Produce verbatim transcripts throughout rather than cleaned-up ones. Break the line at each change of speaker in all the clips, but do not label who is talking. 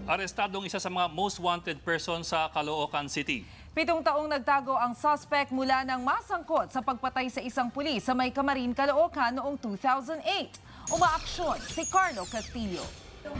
Arestadong isa sa mga most wanted person sa Caloocan City.
Pitong taong nagtago ang suspect mula ng masangkot sa pagpatay sa isang pulis sa May Camarin, Caloocan noong two thousand eight. Umaaksyon si Carlo Castillo.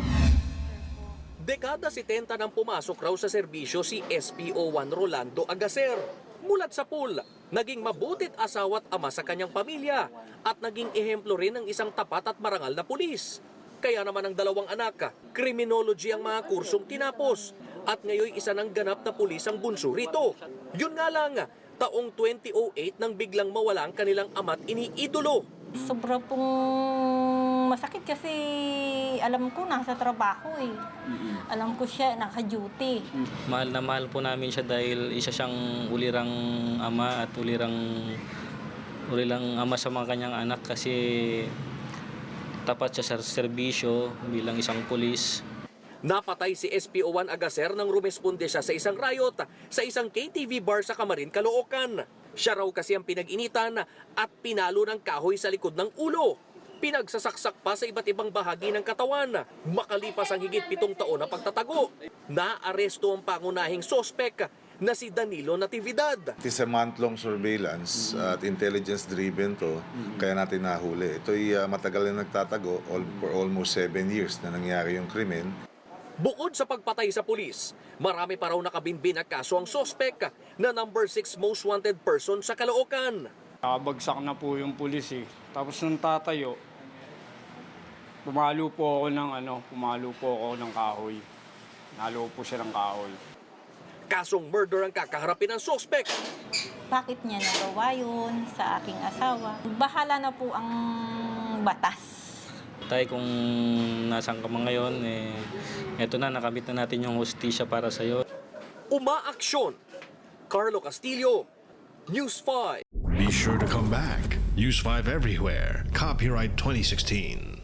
Dekada setenta nang pumasok raw sa serbisyo si S P O one Rolando Agacer. Mulat sa pool, naging mabutit asawa at ama sa kanyang pamilya at naging ehemplo rin ng isang tapat at marangal na pulis. Kaya naman ang dalawang anak, criminology ang mga kursong tinapos at ngayon isa ng ganap na pulis ang bunso rito. Yun nga lang, taong twenty oh eight nang biglang mawala ang kanilang ama't iniidolo.
Sobra pong masakit kasi alam ko nasa trabaho eh. Alam ko siya naka-duty.
Mahal na mahal po namin siya dahil isa siyang ulirang ama at ulirang ulirang ama sa mga kanyang anak kasi tapat siya sa serbisyo bilang isang pulis.
Napatay si S P O one Agacer nang rumesponde siya sa isang riot sa isang K T V bar sa Camarin, Caloocan. Siya raw kasi ang pinag-initan at pinalo ng kahoy sa likod ng ulo. Pinagsasaksak pa sa iba't ibang bahagi ng katawan. Makalipas ang higit pitong taon na pagtatago, naaresto ang pangunahing sospek na si Danilo Natividad.
It is a month-long surveillance at intelligence-driven to, kaya natin nahuli. Ito'y uh, matagal na nagtatago, all, for almost seven years na nangyari yung krimen.
Bukod sa pagpatay sa pulis, marami pa raw nakabinbin na kaso ang sospek na number six most wanted person sa Caloocan.
Nakabagsak na po yung pulis eh. Tapos nung tatayo, pumalo po ako ng ano, pumalo po ako ng kahoy. Nalo po siya ng kahoy.
Kasong murder ang kakaharapin ng sospek.
Bakit niya nagawa yun sa aking asawa? Bahala na po ang batas.
Tay, kung nasaan ka man ngayon, eh, eto na, nakamit na natin yung hustisya para sa'yo.
Umaaksyon. Carlo Castillo, News five.
Be sure to come back. Use five everywhere. Copyright twenty sixteen.